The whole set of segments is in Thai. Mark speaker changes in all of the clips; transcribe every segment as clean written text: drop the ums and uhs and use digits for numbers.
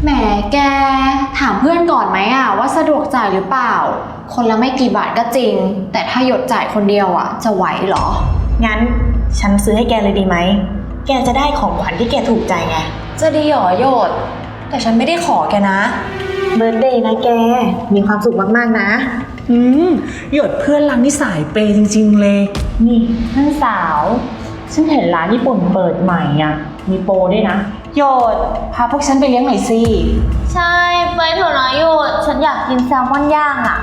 Speaker 1: แหมแกถามเพื่อนก่อนไหมอะว่าสะดวกจ่ายหรือเปล่าคนละไม่กี่บาทก็จริงแต่ถ้าหยดจ่ายคนเดียวอะจะไหวเหรอ
Speaker 2: งั้นฉันซื้อให้แกเลยดีไหมแกจะได้ของขวัญที่แกถูกใจไง
Speaker 1: จะดีหรอหยดแต่ฉันไม่ได้ขอแกนะ
Speaker 2: เบิร์ธเดย์นะแกมีความสุขมากๆนะ
Speaker 3: หยดเพื่อนรักนี่สายเปย์จริงๆเลยนี่เพื่อนสาวฉันเห็นร้านญี่ปุ่นเปิดใหม่อ่ะมีโปรด้วยนะหยดพาพวกฉันไปเลี้ยงหน่อยสิ
Speaker 1: ใช่ไปเถอะนะหยดฉันอยากกินแซลมอนย่างอ่ะ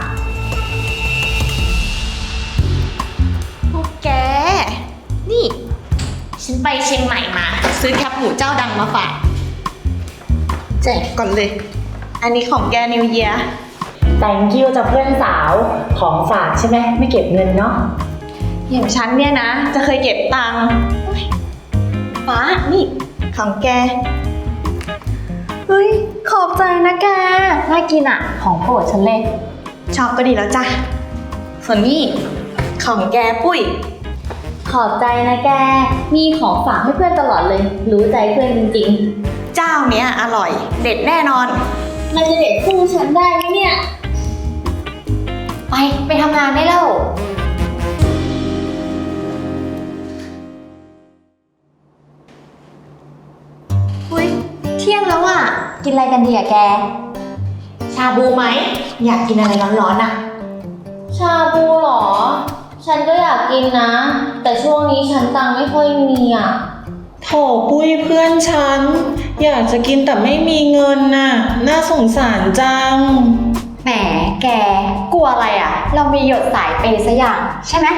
Speaker 2: พวกแกนี่ฉันไปเชียงใหม่มาซื้อแคปหมูเจ้าดังมาฝากแจกก่อนเลยอันนี้ของแกนิวเยียร์
Speaker 3: thank you จากเพื่อนสาวของฝากใช่ไหมไม่เก็บเงินเนาะ
Speaker 2: อย่างฉันเนี่ยนะจะเคยเก็บตังค์ฟ้านี่ของแก
Speaker 1: เฮ้ยขอบใจนะแกน่ากินอ่ะของโปรดฉันเลย
Speaker 2: ชอบก็ดีแล้วจ้ะส่วนนี้ของแกปุ้ย
Speaker 1: ขอบใจนะแกมีของฝากให้เพื่อนตลอดเลยรู้ใจเพื่อนจริง
Speaker 2: ๆเจ้าเนี้ยอร่อยเด็ดแน่นอน
Speaker 1: มันจะเด็ดสู้ฉันได้ไหมเนี่ยไปทำงานได้แล้วอุ๊ยเที่ยงแล้วอ่ะกินอะไรกันดีอ่ะแก
Speaker 2: ชาบูไหมอยากกินอะไรร้อนๆอ่ะ
Speaker 1: ชาบูหรอฉันก็อยากกินนะแต่ช่วงนี้ฉันตังค์ไม่ค่อยมีอ่ะ
Speaker 3: โถปุ้ยเพื่อนฉันอยากจะกินแต่ไม่มีเงินน่ะน่าสงสารจัง
Speaker 1: แหมแกกลัวอะไรอ่ะเรามีหยดสายเปย์ซะอย่างใช่ไหม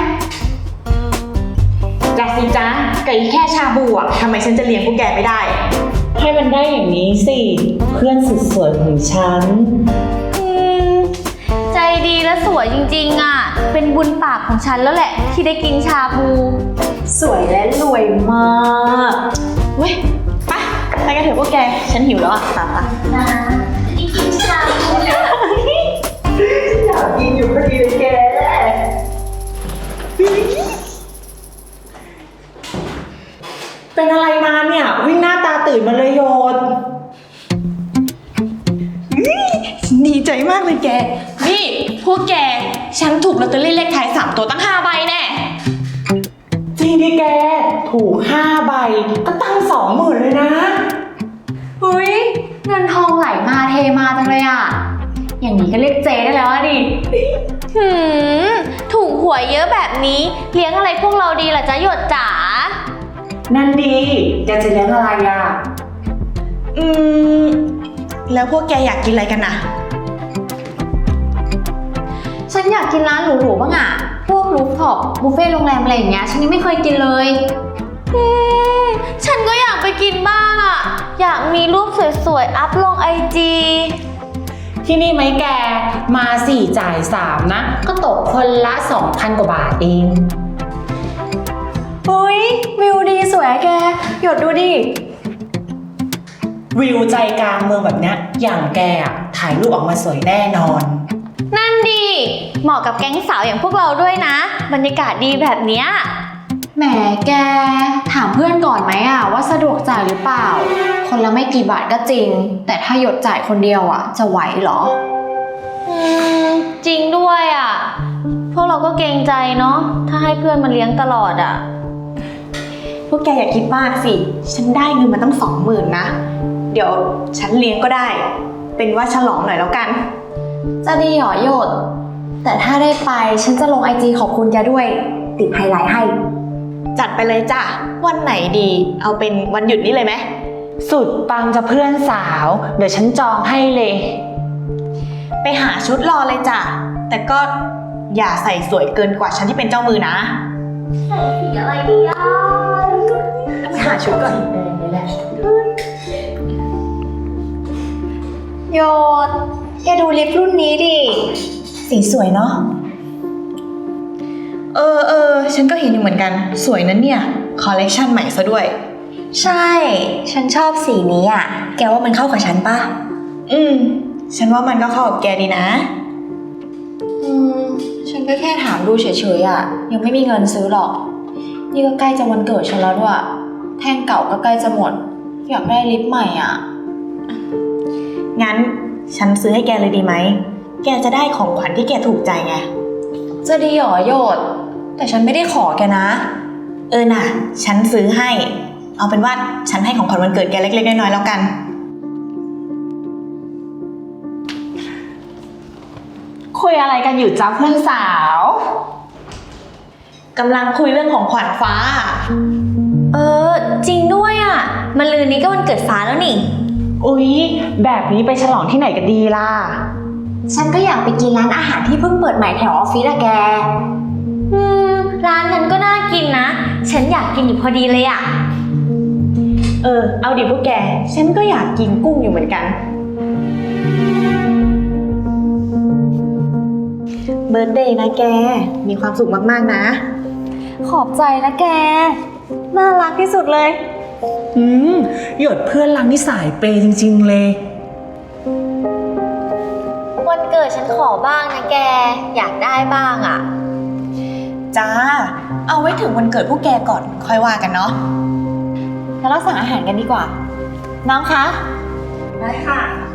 Speaker 2: จ้าสิจ้าไก่แค่ชาบูอ่ะทำไมฉันจะเลี้ยงพวกแกไม่ได้
Speaker 3: ให้มันได้อย่างนี้สิเพื่อนสุดสวยของฉัน
Speaker 1: ใจดีและสวยจริงๆอ่ะเป็นบุญปากของฉันแล้วแหละที่ได้กินชาบู
Speaker 2: สวยและรวยมากเว้ยไปกันเถอะพวกแกฉันหิวแล้วอ่ะตา
Speaker 1: นะกินชาบู
Speaker 2: อยากกินอยู่พอดีเลยแก
Speaker 3: เป็นอะไรมาเนี่ยวิ่งหน้าตาตื่นมาเลยโยน
Speaker 2: ดีใจมากเลยแกนี่พวกแกฉันถูกลอตเตอรี่เลขท้าย3ตัวตั้ง5ใบแน่
Speaker 3: จริงดิแกถูก5ใบก็ตั้ง20,000เลยนะ
Speaker 1: เฮ้ยเงินทองไหลมาเทมาจังเลยอ่ะอย่างนี้ก็เรียกเจได้แล้วดิถูกหวยเยอะแบบนี้เลี้ยงอะไรพวกเราดีล่ะจ๊ะหยดจ๋า
Speaker 3: นั่นดีแกจะเลี้ยงอะไรอ่ะ
Speaker 2: แล้วพวกแกอยากกินอะไรกันน่ะ
Speaker 1: ฉันอยากกินร้านหรูๆบ้างอ่ะพวกรูฟท็อปบุฟเฟ่ต์โรงแรมอะไรอย่างเงี้ยฉันยังไม่เคยกินเลยฉันก็อยากไปกินบ้างอ่ะอยากมีรูปสวยๆอัพลงIG
Speaker 3: ที่นี่ไหมแกมา4จ่าย3นะก็ตกคนละ 2,000 กว่าบาทเอง
Speaker 1: อุ๊ยวิวดีสวยแกหยดดูดิ
Speaker 3: วิวใจกลางเมืองแบบนี้อย่างแกอะถ่ายรูปออกมาสวยแน่นอน
Speaker 1: นั่นดีเหมาะกับแก๊งสาวอย่างพวกเราด้วยนะบรรยากาศดีแบบเนี้ยแหมแกถามเพื่อนก่อนไหมอะว่าสะดวกจ่ายหรือเปล่าคนละไม่กี่บาทก็จริงแต่ถ้าหยดจ่ายคนเดียวอะจะไหวเหรอจริงด้วยอะพวกเราก็เกรงใจเนาะถ้าให้เพื่อนมาเลี้ยงตลอดอะ
Speaker 2: พวกแกอย่าคิดมากสิฉันได้เงินมาตั้ง20,000นะเดี๋ยวฉันเลี้ยงก็ได้เป็นว่าฉลองหน่อยแล้วกัน
Speaker 1: จะดีหรอหยดแต่ถ้าได้ไปฉันจะลง IG ขอบคุณแกด้วยติดไฮไลท์ให้
Speaker 2: จัดไปเลยจ้ะวันไหนดีเอาเป็นวันหยุดนี้เลยไหม
Speaker 3: สุดปังจะเพื่อนสาวเดี๋ยวฉันจองให้เลย
Speaker 2: ไปหาชุดรอเลยจ้ะแต่ก็อย่าใส่สวยเกินกว่าฉันที่เป็นเจ้ามือนะ
Speaker 1: ใส่สีอะไรดีอ่ะ
Speaker 2: ไปหาชุดก่อน
Speaker 1: โยดแกดูลิปรุ่นนี้ดิ
Speaker 2: สีสวยเนาะฉันก็เห็นอยู่เหมือนกันสวยนั้นเนี่ยคอลเลคชันใหม่ซะด้วย
Speaker 1: ใช่ฉันชอบสีนี้อ่ะแกว่ามันเข้ากับฉันป่ะ
Speaker 2: ฉันว่ามันก็เข้ากับแกดีนะ
Speaker 1: ฉันก็แค่ถามดูเฉยๆอ่ะยังไม่มีเงินซื้อหรอกนี่ก็ใกล้จะวันเกิดฉันแล้วด้วยแท่งเก่าก็ใกล้จะหมดอยากได้ลิปใหม่อ่ะ
Speaker 2: งั้นฉันซื้อให้แกเลยดีไหม แกจะได้ของขวัญที่แกถูกใจไง
Speaker 1: จะดีหรอโยดแต่ฉันไม่ได้ขอแกนะ
Speaker 2: น่ะ ฉันซื้อให้ เอาเป็นว่าฉันให้ของขวัญวันเกิดแกเล็กๆน้อยๆแล้วกัน
Speaker 3: คุยอะไรกันอยู่จ้าเพื่อนสาว
Speaker 2: กำลังคุยเรื่องของขวัญฟ้า
Speaker 1: จริงด้วยอ่ะมันลืนนี้ก็วันเกิดฟ้าแล้วนี่
Speaker 3: อุ๊ยแบบนี้ไปฉลองที่ไหนกันดีล่ะ
Speaker 1: ฉันก็อยากไปกินร้านอาหารที่เพิ่งเปิดใหม่แถวออฟฟิศอะแก ร้านนั้นก็น่ากินนะ ฉันอยากกินอยู่พอดีเลยอะ
Speaker 2: เอาดิพวกแก ฉันก็อยากกินกุ้งอยู่เหมือนกันเบิร์ธเดย์นะแก มีความสุขมากๆนะ
Speaker 1: ขอบใจนะแก น่ารักที่สุดเลย
Speaker 3: หยดเพื่อนรักนี่สายเปย์จริงๆเลย
Speaker 1: วันเกิดฉันขอบ้างนะแก อยากได้บ้างอะ
Speaker 2: จ้า เอาไว้ถึงวันเกิดพวกแกก่อนค่อยว่ากันเนาะ
Speaker 1: แล้วเราสั่งอาหารกันดีกว่า น้องคะ
Speaker 2: ได้ค่ะ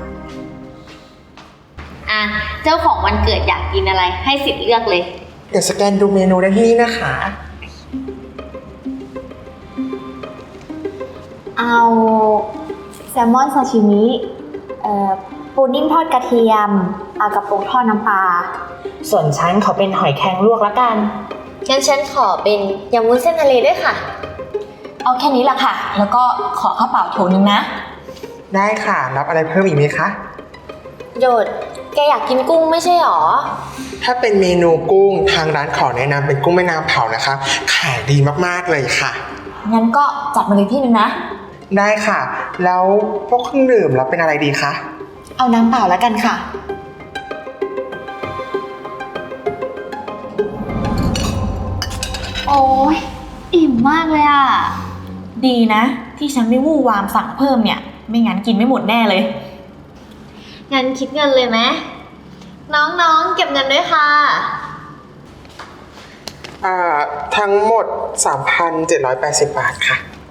Speaker 1: เจ้าของวันเกิดอยากกินอะไรให้สิทธิ์เลือกเลย
Speaker 4: เดี๋ยวสแกนดูเมนูได้ที่นี่นะคะ
Speaker 1: เอาแซลมอนซาชิมิปูนิ่มทอดกระเทียมเอากระโปรงทอดน้ำปลา
Speaker 3: ส่วนฉันขอเป็นหอยแครงลวกละกัน
Speaker 1: งั้นฉันขอเป็นยำวุ้นเส้นทะเลด้วยค่ะ เอาแค่นี้ละค่ะ แล้วก็ขอข้าวเปล่าโถนึงนะ
Speaker 4: ได้ค่ะรับอะไรเพิ่มอีกไหมคะ
Speaker 1: โยด แกอยากกินกุ้งไม่ใช่หรอ
Speaker 4: ถ้าเป็นเมนูกุ้งทางร้านขอแนะนำเป็นกุ้งแม่น้ำเผานะคะ ขายดีมากๆเลยค่ะ
Speaker 1: งั้นก็จัดมาเลยที่นึงนะ
Speaker 4: ได้ค่ะ แล้วพวกเครื่องดื่มรับเป็นอะไรดีคะ
Speaker 2: เอาน้ำเปล่าแล้วกันค่ะ
Speaker 1: โอ้ยอิ่มมากเลยอ่ะ
Speaker 2: ดีนะ ที่ฉันไม่วู่วามสั่งเพิ่มเนี่ย ไม่งั้นกินไม่หมดแน่เลย
Speaker 1: งั้นคิดเงินเลยไหมน้องๆเก็บเงินด้วยค่ะ
Speaker 4: ทั้งหมด 3,780 บาทค่ะ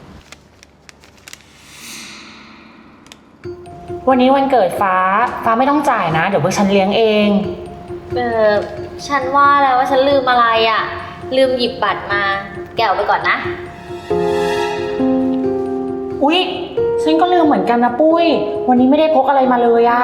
Speaker 3: วันนี้วันเกิดฟ้าไม่ต้องจ่ายนะ เดี๋ยวพวกฉันเลี้ยงเอง
Speaker 1: ฉันว่าแล้วว่าฉันลืมอะไรอ่ะ ลืมหยิบบัตรมา แกเอาไปก่อนนะ
Speaker 3: อุ๊ยฉันก็ลืมเหมือนกันนะปุ้ย วันนี้ไม่ได้พกอะไรมาเลยอะ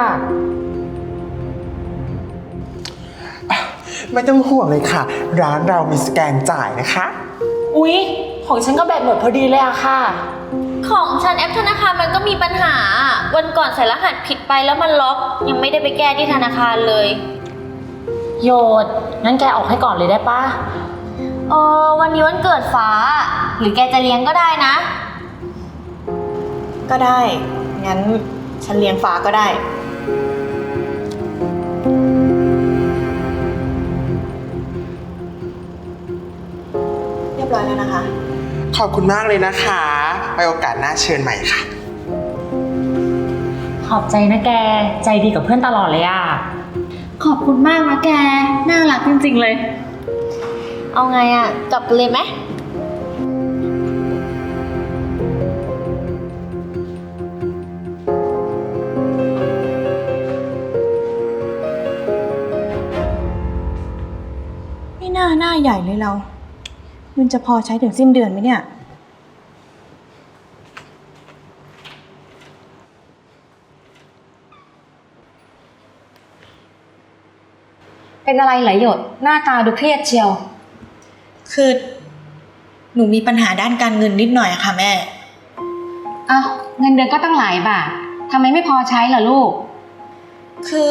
Speaker 4: ไม่ต้องห่วงเลยค่ะ ร้านเรามีสแกนจ่ายนะคะ
Speaker 3: อุ๊ยของฉันก็แบตหมดพอดีเลยอะค่ะ
Speaker 1: ของฉันแอปธนาคารมันก็มีปัญหา วันก่อนใส่รหัสผิดไปแล้วมันล็อก ยังไม่ได้ไปแก้ที่ธนาคารเลย
Speaker 3: โยดงั้นแกออกให้ก่อนเลยได้ปะ
Speaker 1: วันนี้วันเกิดฟ้า หรือแกจะเลี้ยงก็ได้นะ
Speaker 2: ก็ได้ งั้นฉันเลี้ยงฟ้าก็ได้ เรียบร้อยแล้วนะคะ
Speaker 4: ขอบคุณมากเลยนะคะไว้โอกาสหน้าเชิญใหม่ค่ะ
Speaker 3: ขอบใจนะแก ใจดีกับเพื่อนตลอดเลยอะ
Speaker 1: ขอบคุณมากนะแก น่ารักจริงๆเลย เอาไงอ่ะ กลับกันเลยไหม
Speaker 2: ไม่น่าหน้าใหญ่เลยเราเงินจะพอใช้ถึงสิ้นเดือนไหมเนี่ย
Speaker 1: เป็นอะไรไหลหยด หน้าตาดูเครียดเชียว
Speaker 2: คือ หนูมีปัญหาด้านการเงินนิดหน่อยอะค่ะแม่
Speaker 5: อ้าวเงินเดือนก็ตั้งหลายบาททำไมไม่พอใช้ล่ะลูก
Speaker 2: คือ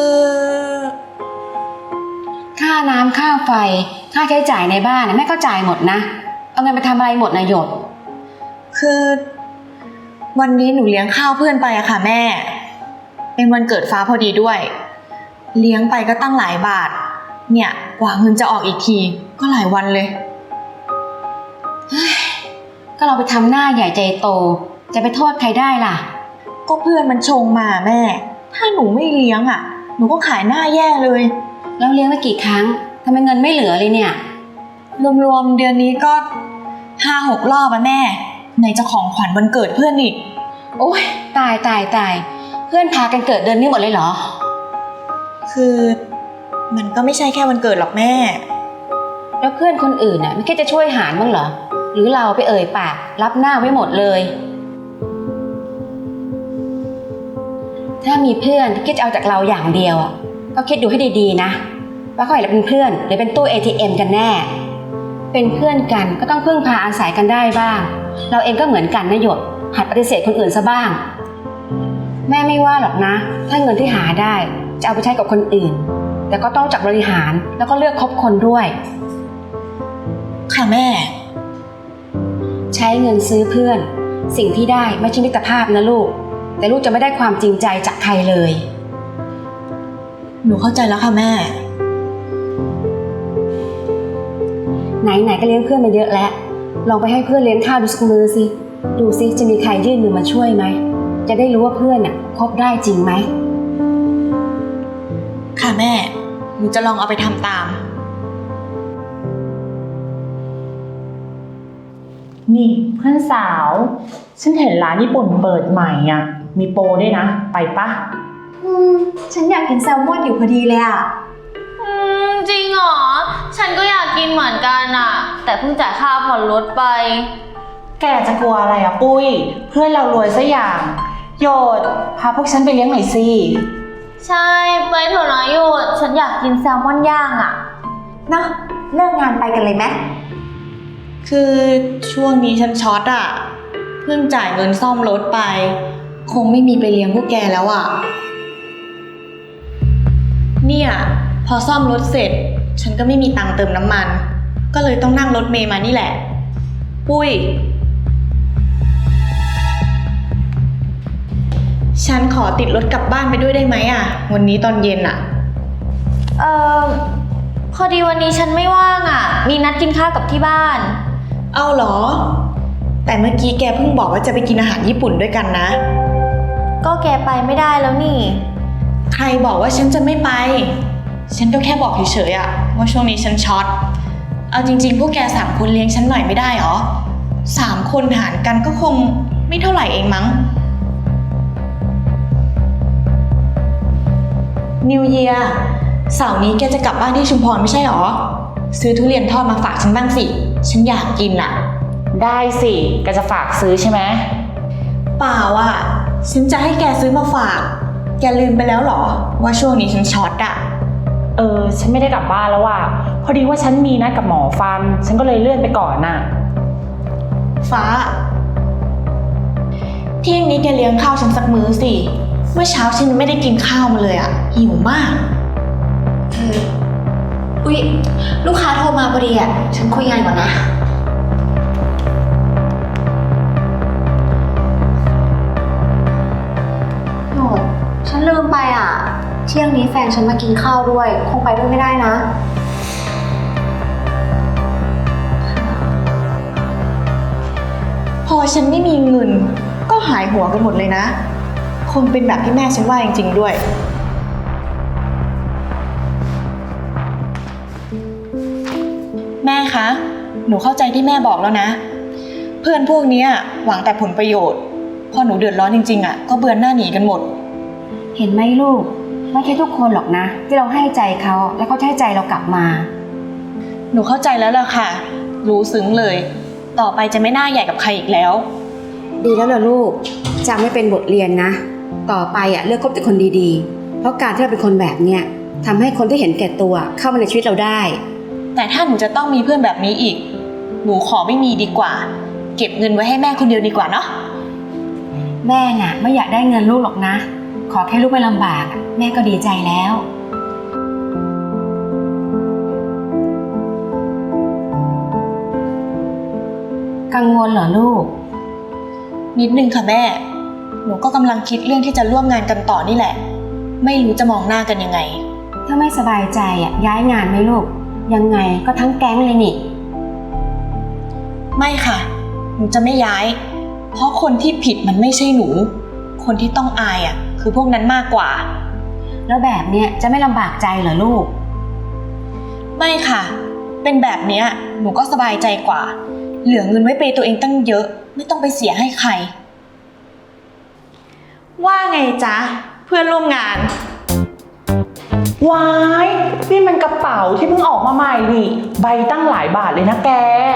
Speaker 5: ค่าน้ำค่าไฟ ค่าใช้จ่ายในบ้านเนี่ยแม่ก็จ่ายหมดนะ เอาเงินไปทำอะไรหมดนะหยด
Speaker 2: คือ วันนี้หนูเลี้ยงข้าวเพื่อนไปอะค่ะแม่ เป็นวันเกิดฟ้าพอดีด้วย เลี้ยงไปก็ตั้งหลายบาท เนี่ยกว่าเงินจะออกอีกทีก็หลายวันเลย
Speaker 5: ก็เราไปทำหน้าใหญ่ใจโต จะไปโทษใครได้ล่ะ
Speaker 2: ก็เพื่อนมันชงมาแม่ ถ้าหนูไม่เลี้ยงอะหนูก็ขายหน้าแย่เลย
Speaker 5: แล้วเลี้ยงไปกี่ครั้งทำไมเงินไม่เหลือเลยเนี่ย
Speaker 2: รวมๆเดือนนี้ก็ 5-6 รอบอะแม่ไหนจะของขวัญวันเกิดเพื่อนอีก
Speaker 5: โอ๊ยตายพื่อนพากันเกิดเดือนนี้หมดเลยเหรอ
Speaker 2: คือมันก็ไม่ใช่แค่วันเกิดหรอกแม่
Speaker 5: แล้วเพื่อนคนอื่นน่ะไม่คิดจะช่วยหารบ้างเหรอ หรือเราไปเอ่ยปากรับหน้าไว้หมดเลย ถ้ามีเพื่อนที่คิดจะเอาจากเราอย่างเดียวอะก็คิดดูให้ดีๆนะว่าเขาอยากเป็นเพื่อนหรือเป็นตู้ ATM กันแน่ เป็นเพื่อนกันก็ต้องพึ่งพาอาศัยกันได้บ้าง เราเองก็เหมือนกันนะหยดหัดปฏิเสธคนอื่นซะบ้าง แม่ไม่ว่าหรอกนะถ้าเงินที่หาได้จะเอาไปใช้กับคนอื่น แต่ก็ต้องรู้จักบริหารแล้วก็เลือกคบคนด้วย
Speaker 2: ค่ะแม่
Speaker 5: ใช้เงินซื้อเพื่อนสิ่งที่ได้ไม่ใช่มิตรภาพนะลูกแต่ลูกจะไม่ได้ความจริงใจจากใครเลย
Speaker 2: หนูเข้าใจแล้วค่ะแม่
Speaker 5: ไหนๆก็เลี้ยงเพื่อนมาเยอะแล้วลองไปให้เพื่อนเลี้ยงข้าวดูสักมือสิดูสิจะมีใครยื่นมือมาช่วยไหมจะได้รู้ว่าเพื่อนน่ะคบได้จริงไหม
Speaker 2: ค่ะแม่ หนูจะลองเอาไปทำตาม
Speaker 3: นี่เพื่อนสาว ฉันเห็นร้านญี่ปุ่นเปิดใหม่อ่ะ มีโปรด้วยนะ ไปปะ
Speaker 1: ฉันอยากกินแซลมอนอยู่พอดีเลยอ่ะ
Speaker 6: จริงเหรอ ฉันก็อยากกินเหมือนกันอะแต่เพิ่งจ่ายค่าผ่อนรถไป
Speaker 3: แกจะกลัวอะไรอ่ะปุ้ย เพื่อนเรารวยซะอย่างโยดพาพวกฉันไปเลี้ยงหน่อยสิ
Speaker 6: ใช่ ไปเถอะนะหยุดฉันอยากกินแซลมอนย่างอะ
Speaker 1: เนาะเลิกงานไปกันเลยไหม
Speaker 2: คือช่วงนี้ฉันช็อตอะเพิ่งจ่ายเงินซ่อมรถไป คงไม่มีไปเลี้ยงพวกแกแล้วอะเนี่ยพอซ่อมรถเสร็จ ฉันก็ไม่มีตังค์เติมน้ำมัน ก็เลยต้องนั่งรถเมล์มานี่แหละ ปุ้ย ฉันขอติดรถกลับบ้านไปด้วยได้ไหมอะวันนี้ตอนเย็นอะ
Speaker 6: เออพอดีวันนี้ฉันไม่ว่างอะมีนัดกินข้าวกับที่บ้าน
Speaker 2: เอาเหรอ แต่เมื่อกี้แกเพิ่งบอกว่าจะไปกินอาหารญี่ปุ่นด้วยกันนะ
Speaker 6: ก็แกไปไม่ได้แล้วนี่
Speaker 2: ใครบอกว่าฉันจะไม่ไป ฉันก็แค่บอกเฉยๆอะว่าช่วงนี้ฉันช็อต เอาจริงๆพวกแก3 คนเลี้ยงฉันหน่อยไม่ได้หรอ3 คนหารกันก็คงไม่เท่าไหร่เองมั้ง New Year เสาร์นี้แกจะกลับบ้านที่ชุมพรไม่ใช่หรอ ซื้อทุเรียนทอดมาฝากฉันบ้างสิ ฉันอยากกินอะ
Speaker 3: ได้สิแกจะฝากซื้อใช่ไหม
Speaker 2: เปล่าอะฉันจะให้แกซื้อมาฝาก แกลืมไปแล้วหรอว่าช่วงนี้ฉันช็อตอะ
Speaker 3: ฉันไม่ได้กลับบ้านแล้วว่ะพอดีว่าฉันมีนัดกับหมอฟัน ฉันก็เลยเลื่อนไปก่อนน่ะ
Speaker 2: ฟ้าเที่ยงนี้แกเลี้ยงข้าวฉันสักมื้อสิ เมื่อเช้าฉันไม่ได้กินข้าวมาเลยอะหิวมาก
Speaker 1: อุ๊ย ลูกค้าโทรมาพอดีอ่ะ ฉันคุยงานก่อนนะโหดฉันลืมไปอ่ะ เที่ยงนี้แฟนฉันมากินข้าวด้วย คงไปด้วยไม่ได้นะ
Speaker 2: พอฉันไม่มีเงินก็หายหัวกันหมดเลยนะ คงเป็นแบบที่แม่ฉันว่าจริงๆด้วย แม่คะ หนูเข้าใจที่แม่บอกแล้วนะ เพื่อนพวกเนี้ยหวังแต่ผลประโยชน์ พอหนูเดือดร้อนจริงๆอะก็เบือนหน้าหนีกันหมด
Speaker 5: เห็นไหมลูกไม่ใช่ทุกคนหรอกนะที่เราให้ใจเขาแล้วเขาให้ใจเรากลับมา
Speaker 2: หนูเข้าใจแล้วล่ะค่ะ รู้ซึ้งเลย ต่อไปจะไม่น่าใหญ่กับใครอีกแล้ว
Speaker 5: ดีแล้วล่ะลูกจำไม่เป็นบทเรียนนะ ต่อไปเลือกคบแต่คนดีๆเพราะการที่เราเป็นคนแบบเนี้ยทำให้คนที่เห็นแก่ตัวเข้ามาในชีวิตเราได้
Speaker 2: แต่ถ้าหนูจะต้องมีเพื่อนแบบนี้อีก หนูขอไม่มีดีกว่า เก็บเงินไว้ให้แม่คนเดียวดีกว่าเนาะ
Speaker 5: แม่น่ะไม่อยากได้เงินลูกหรอกนะ ขอแค่ลูกไม่ลำบากแม่ก็ดีใจแล้ว กังวลเหรอลูก
Speaker 2: นิดนึงค่ะแม่ หนูก็กำลังคิดเรื่องที่จะร่วมงานกันต่อนี่แหละ ไม่รู้จะมองหน้ากันยังไง
Speaker 5: ถ้าไม่สบายใจย้ายงานไหมลูกยังไงก็ทั้งแก๊งเลยนี่
Speaker 2: ไม่ค่ะ หนูจะไม่ย้าย เพราะคนที่ผิดมันไม่ใช่หนู คนที่ต้องอายคือพวกนั้นมากกว่า
Speaker 5: แล้วแบบเนี้ยจะไม่ลำบากใจเหรอลูก
Speaker 2: ไม่ค่ะ เป็นแบบเนี้ยหนูก็สบายใจกว่า เหลือเงินไว้เปย์ตัวเองตั้งเยอะ ไม่ต้องไปเสียให้ใครว่าไงจ๊ะ เพื่อนร่วมงาน
Speaker 3: ว้ายนี่มันกระเป๋าที่เพิ่งออกมาใหม่นี่ ใบตั้งหลายบาทเลยนะแก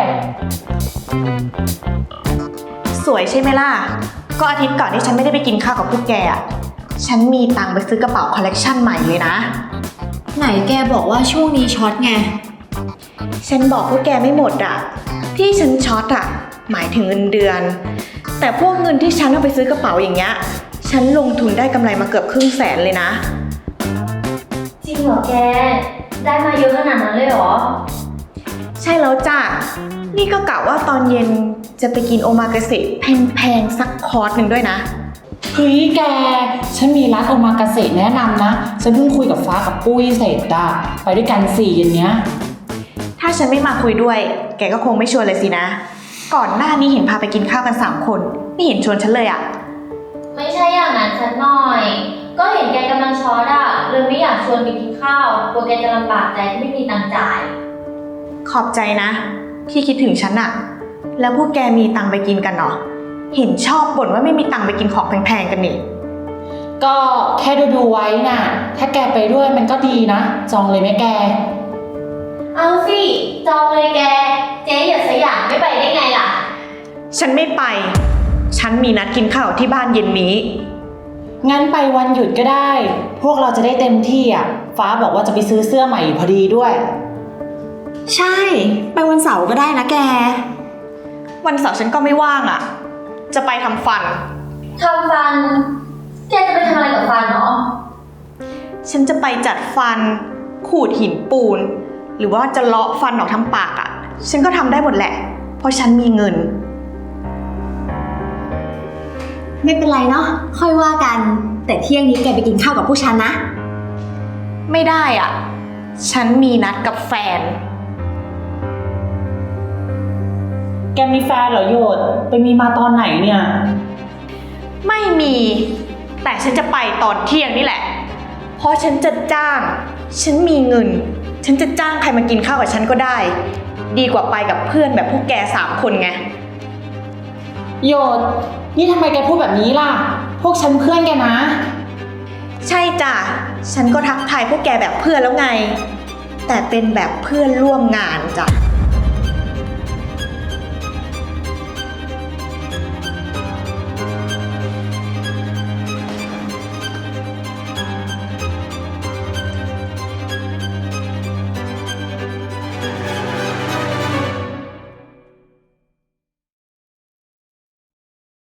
Speaker 2: สวยใช่ไหมล่ะ ก็อาทิตย์ก่อนที่ฉันไม่ได้ไปกินข้าวกับพวกแกอ่ะ ฉันมีตังค์ไปซื้อกระเป๋าคอลเลกชันใหม่เลยนะ
Speaker 1: ไหนแกบอกว่าช่วงนี้ช็อตไง
Speaker 2: ฉันบอกพวกแกไม่หมดอ่ะ ที่ฉันช็อตอ่ะ หมายถึงเงินเดือน แต่พวกเงินที่ฉันเอาไปซื้อกระเป๋าอย่างเงี้ย ฉันลงทุนได้กำไรมาเกือบ500,000เลยนะ
Speaker 6: จริงเหรอแก ได้มาเยอะขนาดนั้นเลยเหรอ
Speaker 2: ใช่แล้วจ้ะ นี่ก็กะว่าตอนเย็นจะไปกินโอมากาเสะแพงๆสักคอร์สหนึ่งด้วยนะ
Speaker 3: เฮ้ยแก ฉันมีร้านโอมากาเสะแนะนำนะ ฉันเพิ่งคุยกับฟ้ากับปุ้ยเสร็จอะไปด้วยกัน4 เย็นเนี้ย
Speaker 2: ถ้าฉันไม่มาคุยด้วย แกก็คงไม่ชวนเลยสินะ ก่อนหน้านี้เห็นพาไปกินข้าวกัน3 คน ไม่เห็นชวนฉันเลยอะ
Speaker 6: ไม่ใช่อย่างนั้นสักหน่อย ก็เห็นแกกำลังช็อตอะเลยไม่อยากชวนไปกินข้าวกลัวแกจะลำบากใจที่ไม่มีตังค์จ่าย
Speaker 2: ขอบใจนะ ที่คิดถึงฉันอะแล้วพวกแกมีตังค์ไปกินกันเหรอ เห็นชอบบ่นว่าไม่มีตังค์ไปกินของแพงๆกันนี่
Speaker 3: ก็แค่ดูไว้น่ะ ถ้าแกไปด้วยมันก็ดีนะ จองเลยไหมแก
Speaker 6: เอาสิ จองเลยแก เจ๊อย่าสยามไม่ไปได้ไงล่ะ
Speaker 2: ฉันไม่ไป ฉันมีนัดกินข้าวที่บ้านเย็นนี้
Speaker 3: งั้นไปวันหยุดก็ได้ พวกเราจะได้เต็มที่อ่ะ ฟ้าบอกว่าจะไปซื้อเสื้อใหม่อยู่พอดีด้วย
Speaker 1: ใช่ ไปวันเสาร์ก็ได้นะแก
Speaker 2: วันเสาร์ฉันก็ไม่ว่างอะจะไปทำฟัน
Speaker 6: ทำฟัน แกจะไปทำอะไรกับฟันเนาะ
Speaker 2: ฉันจะไปจัดฟัน ขูดหินปูน หรือว่าจะเลาะฟันออกทั้งปากอะฉันก็ทำได้หมดแหละ เพราะฉันมีเงิน
Speaker 1: ไม่เป็นไรเนาะ ค่อยว่ากัน แต่เที่ยงนี้แกไปกินข้าวกับผู้ชันนะ
Speaker 2: ไม่ได้อะฉันมีนัดกับแฟน
Speaker 3: แกมีแฟนเหรอโยด ไปมีมาตอนไหนเนี่ย
Speaker 2: ไม่มี แต่ฉันจะไปตอนเที่ยงนี่แหละ เพราะฉันจะจ้าง ฉันมีเงิน ฉันจะจ้างใครมากินข้าวกับฉันก็ได้ ดีกว่าไปกับเพื่อนแบบพวกแก3 คนไง
Speaker 3: โยด นี่ทำไมแกพูดแบบนี้ล่ะ พวกฉันเพื่อนแกนะ
Speaker 2: ใช่จ้ะ ฉันก็ทักทายพวกแกแบบเพื่อนแล้วไง แต่เป็นแบบเพื่อนร่วมงานจ้ะ